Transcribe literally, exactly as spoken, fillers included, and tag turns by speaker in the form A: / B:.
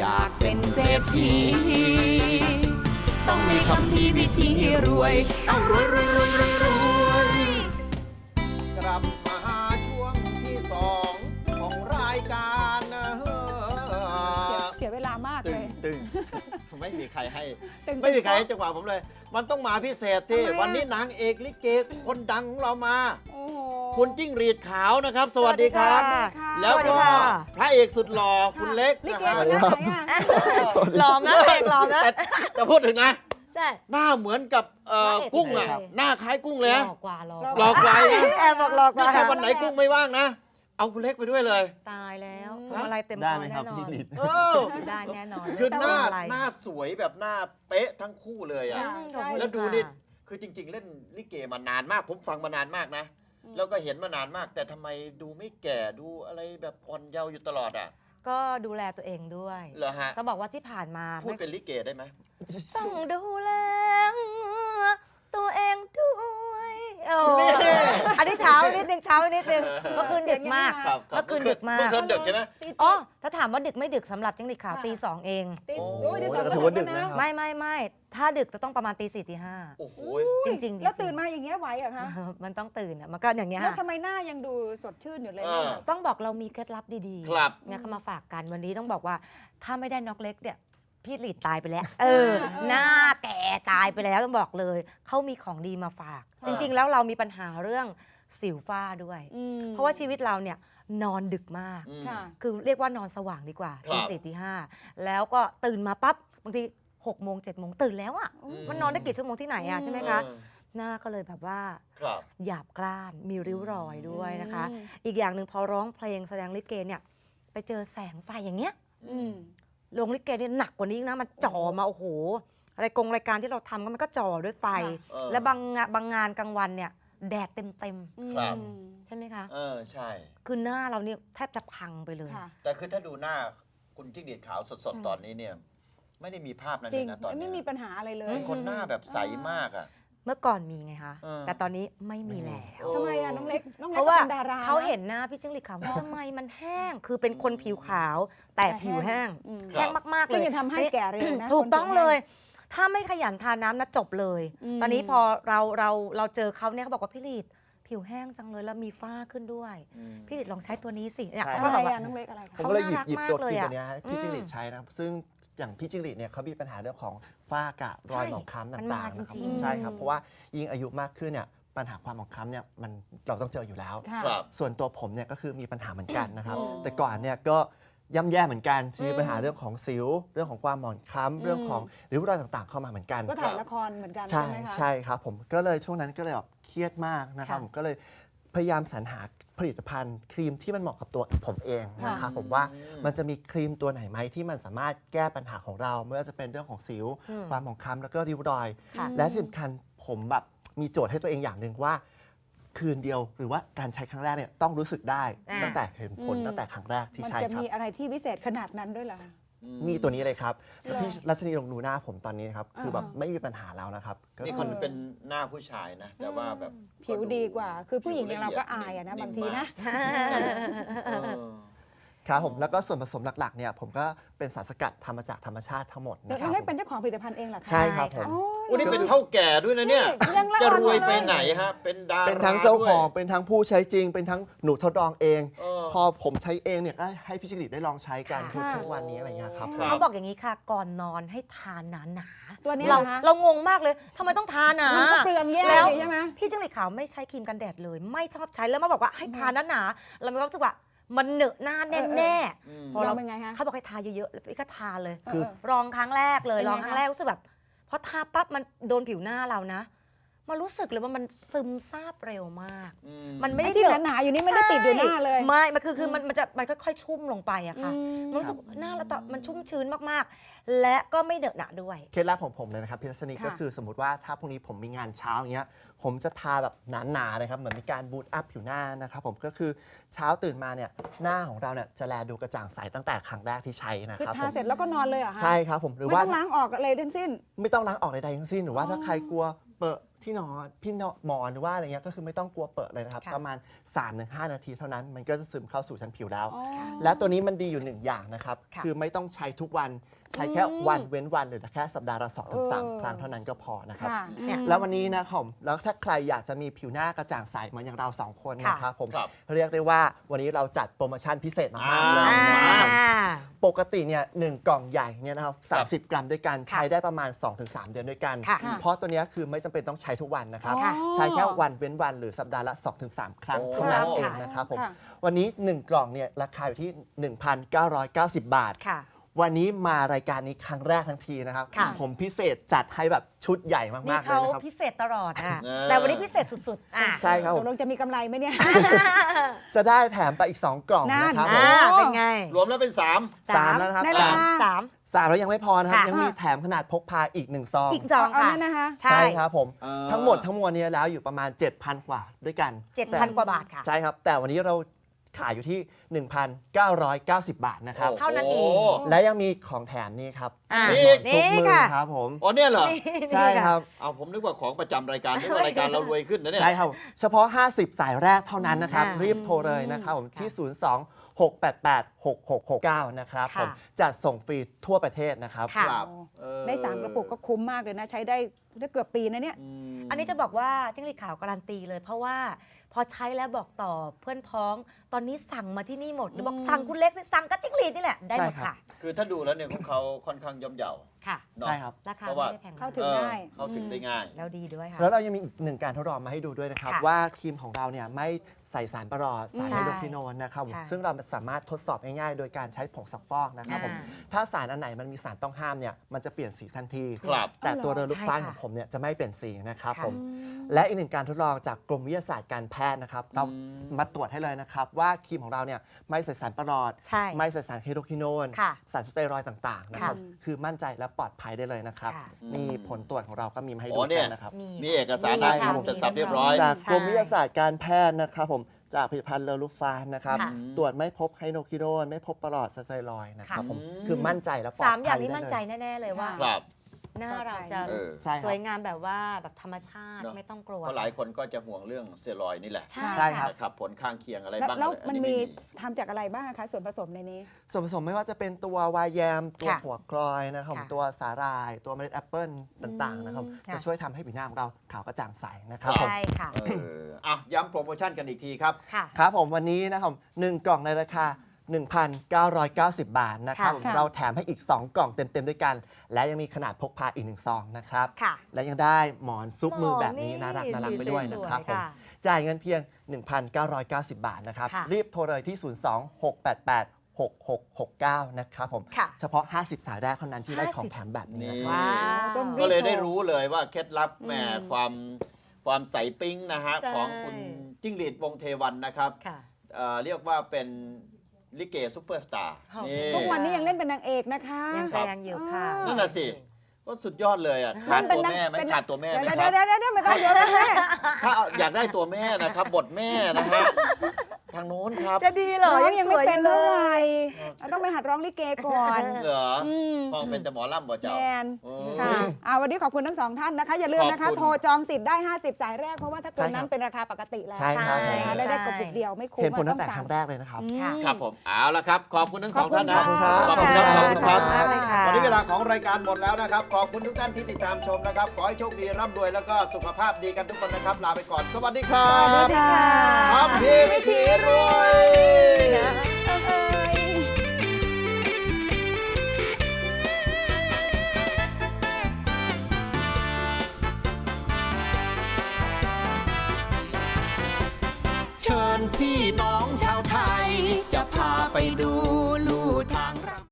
A: อยากเป็นเศรษฐีต้องมีคำพีวิธีรวยต้องรวยรวยรวยรวยรวย
B: กลับมาช่วงที่สองของรายการนะเฮ้อ
C: เสียเวลามาก
B: ตึ
C: เล
B: ง
C: ย
B: ตึงไม่มีใครให้
C: ตึง
B: ไม่มีใครให้จังหวะผมเลย มันต้องมาพิเศษที่
C: ทำไมอะ
B: วันนี้นางเอกลิเกคนดังของเรามา
C: โอ้โห
B: คุณจิ้งหรีดขาวนะครับ สวัสดีครับ
C: สวัสดีค่ะ
B: แล้วก็พระเอกสุดหล่อคุณเล็ก
C: ลิ
B: นะ
C: เก
B: ครับ
C: คนหน้าไหนอ่ะ
D: หลอมนะเอกหลอมนะ
B: แต่แต่พูดถึงนะ
D: ใช่
B: หน้าเหมือนกับเอ่อ
D: พระเอก
B: กุ้งอ่ะ
D: เลย
B: หน้าคล้ายกุ้ง
D: ห
B: เลย
D: ล
B: นะ
D: อกกว่าหลอก
B: หลอกไว้นะ
D: แอบบอกหลอกก
B: นี่
D: ว่า
B: ถ้าวันไหนกุ้งไม่ว่างนะ เอาคุณเล็กไปด้วยเลย
D: ตายแล้ว
C: อืม
D: พวงมาลัยเต็ม
E: ได้
D: คอ
E: ไหมค
D: แน่
E: รับ
D: นอ
E: พี่
D: น
E: ลิศ
B: เออ
D: ได้แน่นอน
B: คือหน้า
D: พวงมลัย
B: หน้าสวยแบบหน้าเป๊ะทั้งคู่เลยอ่ะ
C: ใช่
D: ขอบคุณ
B: แล้วดู
D: ค่ะ
B: นี่คือจริง ๆ เล่นลิเกมานานมาก ผมฟังมานานมากนะ แล้วก็เห็นมานานมาก แต่ทำไมดูไม่แก่ดูอะไรแบบอ่อนเยาว์อยู่ตลอดอ่ะ
D: ก็ดูแลตัวเองด้วย
B: เหรอฮะ
D: ต้องบอกว่าที่ผ่านมา
B: พูด
D: ไม่
B: เป็นลิเกได้ไหม
D: ต้องดูแลตัวเองด้วยโอ้
B: นี่
D: อันนี้เช้านิดนึงเช้านิดนึงเมื่อคืนดึกมาก
B: ครับครับ
D: เมื่อคืนดึกมาก
B: เมื่อคืนดึกใช่ไหม
D: อ๋อถ้าถามว่าดึกไม่ดึกสำหรับจิ้งหรีดขาวตีสองเอง
C: ติด
B: โอ้
C: โอ้ยติด
E: โอ้
C: สอง
E: แต่ก็ถือว่าดึกนะครับ
D: ไม่ไม่ไม่ถ้าดึกจะต้องประมาณตีสี่ตีห้า
B: โอ้โห
D: จริงๆจริงๆ
C: แล้วตื่นมาอย่างเงี้ยไหวเหรอคะ
D: มันต้องตื่นอ่ะมันก็อย่างเงี้ย
C: แล้ว
D: ค่ะ
C: ทำไมหน้ายังดูสดชื่นอยู่เลย
B: เออ
D: ต้องบอกเรามีเคล็ดลับดีๆ
B: ครับ
D: เนี่ยเขามาฝากกันวันนี้ต้องบอกว่าถ้าไม่ได้น็อกเล็กเนี่ยพี่หลีดตายไปแล้ว เออ หน้าแก่ตายไปแล้วต้องบอกเลยเขามีของดีมาฝาก
B: อ่า
D: จริงๆ แล้วเรามีปัญหาเรื่องสิวฝ้าด้วย
C: อืม
D: เพราะว่าชีวิตเราเนี่ยนอนดึกมาก
B: อืม
C: ค่ะ
D: คือเรียกว่านอนสว่างดีกว่า
B: ครับ
D: ตีสี่ตีห้าแล้วก็ตื่นมาปั๊บบางทีหกโมงเจ็ดโมงตื่นแล้วอ่ะ
B: อืม
D: มันนอนได้กี่ชั่วโมงที่ไหนอ่ะใช่ไหมคะ
B: เออ
D: หน้าก็เลยแบบว่า
B: ครับ
D: หยาบกร้านมีริ้วรอยด้วยนะคะ
C: อืม
D: อีกอย่างหนึ่งพอร้องเพลงแสดงลิเกเนี่ยไปเจอแสงไฟอย่างเงี้ย
C: อืม
D: โรงลิเกเนี่ยหนักกว่านี้อีกนะมันจ่อมาโอ้โหรายกงรายการที่เราทำก็มันก็จ่อด้วยไฟ
B: เออ
D: และบางงานบางงานกลางวันเนี่ยแดดเต็มเต็ม
B: ครับ
C: อืม
D: ๆใช่ไหมคะ
B: เออใช่
D: คือหน้าเราเนี่ยแทบจะพังไปเลย
C: ค่ะ
B: แต่คือถ้าดูหน้าคุณจิ้งหรีดขาวสดๆ ตอนนี้เนี่ย ไม่ได้มีภาพนั้น
C: จ
B: เล
C: ริง
B: ยนะตอนนี้
C: ไม่มีปัญหาอะไรเลย
B: เป็นคนหน้าแบบใสมากอ่ะ
D: เมื่อก่อนมีไงคะ
B: เออ
D: แต่ตอนนี้ไม่มีแล้ว
B: โอ้
C: ทำไมอ่ะน้องเล็กน้อง
D: เพ
C: เล็ก
D: ราะ
C: ก็
D: ว่า
C: เป็นดารา
D: เขา
C: นะ
D: เห็นหน้าพี่จิ้งหรีดขาวว่าทำไมมันแห้ง คือเป็นคนผิวขาว แต่ผิวแห้ง
C: อืม
D: แห้งมากๆเล
C: ซึ่ง
D: ย
C: จะทำให้แก่เร็วนะ
D: ถูกต้อง
C: คนผิวแห้ง
D: เลย ถ้าไม่ขยันทาน้ำนะจบเลย
C: อืม
D: ตอนนี้พอเราเราเราเจอเขาเนี่ยเขาบอกว่าพี่ลีดผิวแห้งจังเลยแล้วมีฝ้าขึ้นด้วย
B: อืม
D: พี่ลีดลองใช้ตัวนี้สิเนี่ย
E: ใช่
D: เขา
C: อะ
D: ก็
C: ไร
D: แบบว่า
C: อ่ะน้องเล็กอะไร
E: ผม
C: คะ
E: ก็เลยหยิบ
D: เขาน่ารัก
E: หยิบตัว
D: มากเลย
E: ครีม
D: อะ
E: ตัวเนี้ยให้พี่
D: อืม
E: จิ้งหรีดใช้นะครับซึ่งอย่างพี่จิ้งหรีดเนี่ยเขามีปัญหาเรื่องของฝ้ากระรอย
D: ใช่
E: หมองคล้ำ
D: มัน
E: ต่าง
D: มา
E: ๆนะครับ
D: จริงๆ
E: ใช่ครับเพราะว่ายิ่งอายุมากขึ้นเนี่ยปัญหาความหมองคล้ำเนี่ยมันเราต้องเจออยู่แล้ว
C: ค่ะ
B: ครับ
E: ส่วนตัวผมเนี่ยก็คือมีปัญหาเหมือนกันนะครับ
B: อ๋อ
E: แต่ก่อนเนี่ยก็ย่ำแย่เหมือนกันมี
D: อืม
E: ปัญหาเรื่องของสิว เรื่องของความหมองคล้ำเรื่องของริ้วรอยต่างๆ เข้ามาเหมือนกัน
C: ก็ถ่ายละครเหมือนกัน
E: ใช่
C: ใช่ไหมคะ
E: ใช่ครับผมก็เลยช่วงนั้นก็เลยแบบเครียดมากนะครับ
D: ค่ะ
E: ผมก็เลยพยายามสรรหาผลิตภัณฑ์ ครีมที่มันเหมาะกับตัวผมเองนะครับ
B: ค่ะ
E: ผมว่า
B: อืม
E: มันจะมีครีมตัวไหนไหมที่มันสามารถแก้ปัญหาของเราไม่ว่าจะเป็นเรื่องของสิว
D: อืม
E: ความหมองคล้ำแล้วก็ริ้วรอย
D: ค่ะ
E: และที่สำคัญผมแบบมีโจทย์ให้ตัวเองอย่างหนึ่งว่า คืนเดียวหรือว่าการใช้ครั้งแรกเนี่ยต้องรู้สึกได้
D: อ่า
E: ตั้งแต่เห็นผล
C: อืม
E: ตั้งแต่ครั้งแรกที่
C: มัน
E: ใช้
C: จะ
E: ครับ
C: มีอะไรที่พิเศษขนาดนั้นด้วยเหรอคะ
B: อื
E: มีตัวนี้เลยครับ
C: เหรอ
E: พี่รัชนีลองดูหน้าผมตอนนี้นะครับคือแบบ
C: อ่า
E: ไม่มีปัญหาแล้วนะครับก็
B: นี่
E: คื
B: คน
E: อ
B: เป็นหน้าผู้ชายนะ แต่ว่าแบบ
C: ผิวดีกว่า คือผู้หญิงอย่างเราก็อายอะนะบางทีนะ
B: เออ
E: ครับผมแล้วก็ส่วนผสมหลักๆเนี่ยผมก็เป็นสารสกัดทำมาจากธรรมชาติทั้งหมด
C: เดี๋ยว
E: นะค
C: น้
E: รั
C: อบ งเล็ก
E: ผม
C: เป็นเจ้าของผลิตภัณฑ์เองเหรอคะ
E: ใช่ครับผม
C: โอ้
B: วันนี้เป็นเท่าแก่ด้วยนะเนี่ย
C: นี่ยังละ
B: จะ
C: อ่อน
B: รวย
C: อยู่
B: ไป
C: เลย
B: ไหนฮะ เป็นดารา
E: เป็นทั้งเจ้าของ
B: ด้วย
E: เป็นทั้งผู้ใช้จริง เป็นทั้งหนูทดลองเอง
B: เออ
E: พอผมใช้เองเนี่ยก็ให้พี่จิริตได้ลองใช้กันทุก
C: ค่ะ
E: ทุกวันนี้อะไรเงี้ยครับ
B: ครับ
D: เขาบอกอย่างนี้ค่ะ ก่อนนอนให้ทานหนาหนาๆ
C: ตัวนี้
D: เรา
C: เหรอคะ
D: เรางงมากเลยทำไมต้องทานหนา
C: มันก็เปลืองแย่
D: แล้ว
C: เลยใช่ไหม
D: พี่จิ้งหรีดขาวไม่ใช้ครีมกันแดดเลย ไม่ชอบใช้แล้วมาบอกว่าให้ทานหนาๆเรามีความรู้สึกว่ามันเหนอะหน้าแน่แน่
B: อืม
D: พอเรา
C: ลองเป็นไงคะ
D: เขาบอกให้ทาเยอะๆแล้วพี่ก็ทาเลย
E: คือ
D: ลองครั้งแรกเลย
C: เป็นไง
D: ลองครั้ง
C: คะ
D: แรกรู้สึกแบบพอทาปั๊บมันโดนผิวหน้าเรานะมันรู้สึกเลยว่ามันซึมซาบเร็วมาก
B: อื
D: มันไม่
C: ไอ้
D: ได้
C: ที่
D: เหนอะ
C: หนาๆอยู่นี่ไม่ได้ติดอยู่หน้าเลย
D: ไม่ มันคือคือมันมันจะมันค่อยๆ ชุ่มลงไปอะค่ะ
C: อืม
D: มันรู้สึกหน้าเราตอนมันชุ่มชื้นมากๆ และก็ไม่เดอะหนะด้วย
E: เคล็ดลับของผมเลยนะครับพี่รัชนี
C: ค่ะ
E: ก็คือสมมติว่าถ้าพรุ่งนี้ผมมีงานเช้าอย่างเงี้ยผมจะทาแบบหนาๆนะครับเหมือนมีการบูตอัพผิวหน้านะครับผมก็คือเช้าตื่นมาเนี่ยหน้าของเราเนี่ยจะแลดูกระจ่างใสตั้งแต่ครั้งแรกที่ใช้นะ
C: คือ
E: ครับ
C: ทา
E: ผม
C: เสร็จแล้วก็นอนเลยเหรอคะ
E: ใช่ครับผมหรือ
C: ไม่
E: ว่า
C: ต้องล้างออกอะไรทั้งสิ้น
E: ไม่ต้องล้างออกใดๆทั้งสิ้นหรือว่าถ้าใครกลัวเปิดที่นอนพี่นอนหมอนหรือว่าอะไรเงี้ยก็คือไม่ต้องกลัวเปิดเลยนะครับ
D: ค่ะ
E: ประมาณ สามถึงห้า นาทีเท่านั้นมันก็จะซึมเข้าสู่ชั้นผิวแล้ว
C: อ๋อ
E: และตัวนี้มันดีอยู่หนึ่งอย่างนะครับ
D: ค่ะ
E: คือไม่ต้องใช้ทุกวันใช้แค่วันเว้นวันหรือแค่สัปดาห์ละสองถึงสาม
C: เออ
E: ครั้งเท่านั้นก็พอนะครับ
C: ค่ะ
D: เนี่ย
E: แล้ววันนี้นะครับผมแล้วถ้าใครอยากจะมีผิวหน้ากระจ่างใสเหมือนอย่างเราสองคน
D: ค่ะ
E: นะครับผม
B: ครับ
E: เรียกได้ว่าวันนี้เราจัดโปรโมชั่นพิเศษมากๆเลย
B: อ่า
E: นะครับ
D: อ่า
E: ปกติเนี่ยหนึ่งกล่องใหญ่เนี่ยนะครับสามสิบกรัมด้วยกัน
D: ค่ะ
E: ใช้ได้ประมาณ สองถึงสาม เดือนด้วยกัน
D: ค่ะ
E: เพราะตัวเนี้ยคือไม่จำเป็นต้องใช้ทุกวันนะครับ
C: ค่ะ
E: ใช้แค่วันเว้นวันหรือสัปดาห์ละ สองถึงสาม ครั้ง
B: โอ้
E: เท่านั้น
B: ค่ะ
E: เองนะครับผม
C: ค่ะ
E: วันนี้หนึ่งกล่องเนี่ยราคาอยู่ที่ หนึ่งพันเก้าร้อยเก้าสิบ บาท
D: ค่ะ
E: วันนี้มารายการนี้ครั้งแรกทั้งทีนะครับ
D: ค่ะ
E: ผมพิเศษจัดให้แบบชุดใหญ่มา
D: นี่
E: กๆเลย
D: เขา
E: นะครับ
D: พิเศษตลอดอ่ะ
B: เออ
D: แต่วันนี้พิเศษสุดๆอ่ะ
E: ใช่ครับ
C: ต
E: ผ
C: ก
E: ม
C: ลงจะมีกำไรไหมเนี่ย
E: จะได้แถมไปอีก สอง กล่อง
C: นั่น
E: นะครับผ
D: อ่าม เป็นไง
B: รวมแล้วเป็นสาม
E: สามแล้วนะครับ
C: ได้
E: สาม
C: ค่ะ
D: สาม
E: สามแล้วยังไม่พอนะครับ
D: ค่ะ
E: ยังมีแถมขนาดพกพาอีกหนึ่งซอง
D: อีกสอง
C: เอา
D: ค่ะ
C: นั่นนะคะ
D: ใช่
E: ใช่ครับผม
B: เออ
E: ทั้งหมดทั้งมวลเนี้แล้วอยู่ประมาณ เจ็ดพัน กว่าด้วยกัน
D: เจ็ดพันกว่าบาทค่ะ
E: ใช่ครับ แต่วันนี้เราขายอยู่ที่ หนึ่งพันเก้าร้อยเก้าสิบ บาทนะครับ
B: โอ้
D: เท่านั้นเอง
B: โ
E: และยังมีของแถมนี่ครับ
D: อ่ะ
B: นี่
E: ซุป
D: นี่
E: มือ
D: ค่ะ
E: ครับผม
B: อ๋อเนี่ยเหรอ
D: นี่
E: ใช่ครับ
B: เอาผมนึกว่าของประจำรายการนึกว่ารายการเรารวยขึ้นนะเนี่ย
E: ใช่ครับ เฉพาะ ห้าสิบ สายแรกเท่านั้นนะครับ
D: อ่า
E: รีบโทรเลยนะครับผมที่ ศูนย์ สอง หก แปด แปด หก หก หก เก้า นะครับ
D: ค่ะ
E: ผมจัดส่งฟรีทั่วประเทศนะครับ
D: ค่ะ
B: ครับเออ
C: ได้สามกระปุกก็คุ้มมากเลยนะ ใช้ได้ได้เกือบปีนะเนี่ย
B: อืม
D: อันนี้จะบอกว่าจิ้งหรีดขาวการันตีเลย เพราะว่าพอใช้แล้วบอกต่อเพื่อนพ้อง ตอนนี้สั่งมาที่นี่หมดหรือบอก
C: อืม
D: สั่งคุณเล็กสิสั่งก็จิ้งหรีดนี่แหละได้หมด
E: ใช่ครับ
D: ค่ะ
B: คือถ้าดูแล้วเนี่ยของเขาค่อนข้างย่อมเยา
D: ค่ะ
B: เนาะ
E: ใช่ครับ
D: ราคา
B: เพราะ
D: ไม่
B: ว่า
D: ได้แพงมก
C: เข้าถึง
B: เออ
C: ง่าย
B: เข้าถึงได้ง่าย
D: แล้วดีด้วยค่ะ
E: แล้วเรายังมีอีกหนึ่งการทดลองมาให้ดูด้วยนะครับ
D: ค่ะ
E: ว่าครีมของเราเนี่ยไม่ใส่สารประหลอดสาร
D: ใช่
E: ไฮโดรควิโนนนะครับผม
D: ใช่
E: ซึ่งเราสามารถทดสอบง่ายๆ โดยการใช้ผงซักฟอกนะครับผม
D: อ่า
E: ถ้าสารอันไหนมันมีสารต้องห้ามเนี่ยมันจะเปลี่ยนสีทันที
B: ครับ
E: แต่
C: อ๋อเหรอ
E: ตัวเรือลูกฟ้า
D: ใช่ค่ะ
E: ของผมเนี่ยจะไม่เปลี่ยนสีนะครับ
D: ค่ะ
E: ผมและอีกหนึ่งการทดลองจากกรมวิทยาศาสตร์การแพทย์นะครับเรามาตรวจให้เลยนะครับว่าครีมของเราเนี่ยไม่ใส่สารประหลอด
D: ใช่
E: ไม่ใส่สารไฮโดรควิโนน
D: ค่ะ
E: สารสเตียรอยด์ต่างๆนะครับ
C: ค่ะ
E: คือมั่นใจและปลอดภัยได้เลยนะครับ
D: ค่ะ
E: นี่ผลตรวจของเราก็มีมาให้
B: อ๋
E: ดู
B: อเนี่
E: กั
B: ย
E: นนะครับ
D: มี
B: มีเอกสาร
E: ใช่
B: นะครับ เสร็จสับเรียบร้อย
E: จาก
D: ใช่
E: กรมวิทยาศาสตร์การแพทย์นะครับผมจากผลิตภัณฑ์เลอลูฟานนะครับ
D: ค่ะ
E: ตรวจไม่พบไฮโดรควิโนนไม่พบประหลอดสเตียรอยด์นะครับ
D: ค่ะ
E: ผม
B: อืม
E: คือมั่นใจและปลอดภัย
D: สามอย่างนี้
E: ได้
D: มั่น
E: เลย
D: ใจแน่ ๆ เลยว่า
B: ครับ
D: หน้าเราจะ
B: เออ
E: ใช่ครับ
D: สวยงามแบบว่าแบบธรรมชาติ
B: เนอะ
D: ไม่ต้องกลัว
B: เพราะหลายคนก็จะห่วงเรื่องสเตียรอยด์นี่แหละ
D: ใช่
E: ใช่ครับ
B: นะครับผลข้างเคียงอะไร
C: แล้ว
B: บ้าง
C: แล้ว
B: อะไรอั
C: มัน
B: ไ
C: มีทำจากอะไรบ้างอะคะ ส่วนผสมในนี้
E: ส่วนผสมไม่ว่าจะเป็นตัววายแยม ตัว
D: ค่ะ
E: หัวกลอยนะครับ
D: ค่ะ
E: ตัวสาหร่าย ตัวเมล็ดแอปเปิลต่างๆนะครับ
D: ค่ะ
E: จะช่วยทำให้ผิวหน้าของเราขาวกระจ่างใสนะครับผม
D: ใช่ค่ะ
B: เอออ่ะย้ำโปรโมชั่นกันอีกทีครับ
D: ค่ะ
E: ครับผมวันนี้นะครับหนึ่งกล่องในราคา หนึ่งพันเก้าร้อยเก้าสิบ บาทนะครับ
D: ค่ะ
E: ผม
C: ค่ะ
E: เราแถมให้อีก สอง กล่องเต็ม ๆ ด้วยกัน และยังมีขนาดพกพาอีกหนึ่งซองนะครับ
D: ค่ะ
E: และยังได้หมอนซุปมือแบบนี้
D: หมอ
E: น่ารักน่ารักไปด้วยนะครับ
D: ส
E: ผ
D: วย
E: ม
D: ๆค่ะ
E: จ่ายเงินเพียง หนึ่งพันเก้าร้อยเก้าสิบ บาทนะครับ
D: ค่ะ
E: รีบโทรเลยที่ ศูนย์ สอง หก แปด แปด หก หก หก เก้า นะครับผม
D: ค่ะ
E: เฉพาะ ห้าสิบ สายแรกเท่านั้นที่ได้
D: ห้าสิบ
E: ของแถมแบบนี้
B: นี่
E: นะครับ
D: ว้าว
C: ต้อง
B: ก็เลย
C: รีบโทร
B: ได้รู้เลยว่าเคล็ดลับแหม
C: อืม
B: ความความใสปิ๊งนะฮะ
D: ใช่
B: ของคุณจิ้งหรีดวงเทวันนะครับ
D: ค่ะ
B: เอ่อเรียกว่าเป็นลิเกซุปเปอร์สตาร์
D: ค่ะ
B: นี่
C: ทุกวันนี้ยังเล่นเป็นนางเอกนะคะ
D: ยังแสดงอยู่ค่ะ
B: นั่นน่ะสิ ก็สุดยอดเลยอ่ะขาด
C: เป็
B: ตั
C: น
B: ว
C: นาง
B: แม่ไหม
C: เป็น
B: ขาดตัวแม่ไหม
C: เดี๋ยว
B: ครับ
C: เดี๋ยวเดี๋ยวเดี๋ยวไม่ต้องเดี๋ยวแม่
B: ถ้าอยากได้ตัวแม่นะครับ บทแม่นะฮะทางโน้นครับ
D: จะดีเหรอ
C: ร้องยังไม่
D: สว
C: เป็น
D: อยู่
C: เท่าไห
D: ล
C: ร่
D: ย
C: เราต้องไปหัดร้องลิเกก่อน
B: เหรอ
C: อืม
B: ฟังเป็นแต่หมอลำบ่
C: แม
B: เจ้า
C: น
B: โอ้
C: ค่ะอ่าวันนี้ขอบคุณทั้งสองท่านนะคะ อย่าลืมนะคะ
B: ขอบคุณ
C: โทรจองสิทธิ์ได้ ห้าสิบ สายแรก เพราะว่าถ้าเกินนั้น
E: ใช่ครับ
C: เป็นราคาปกติแล้ว
E: ใช่ครับ
D: ใช่
C: นะคะได้ได้กระปุกเดียวไม่คุ้ม
E: เห็นผลตั้ง
C: อะ
E: แต่
C: อ
E: ครั้งแรกเลยนะครับ
C: อืม
D: ค่ะ
B: ครับผมเอาละครับ ขอบคุณทั้งสองท่านนะ
C: ขอบคุณครับ
B: ขอบคุณครับขอบคุณครับ
D: ขอบคุณมากเลยค่ะ
B: วันนี้เวลาของรายการหมดแล้วนะครับ ขอบคุณทุกท่านที่ติดตามชมนะครับ ขอให้โชคดีร่ำรวยแล้วก็สุขภาพดีกันทุกคนนะครับ ลาไปก่อน สวัสดีครั
C: สวั
B: บ
C: สดีค่ะ
B: ครับพี่วิธีรวย
A: เชิญพี่น้องชาวไทย จะพาไปดู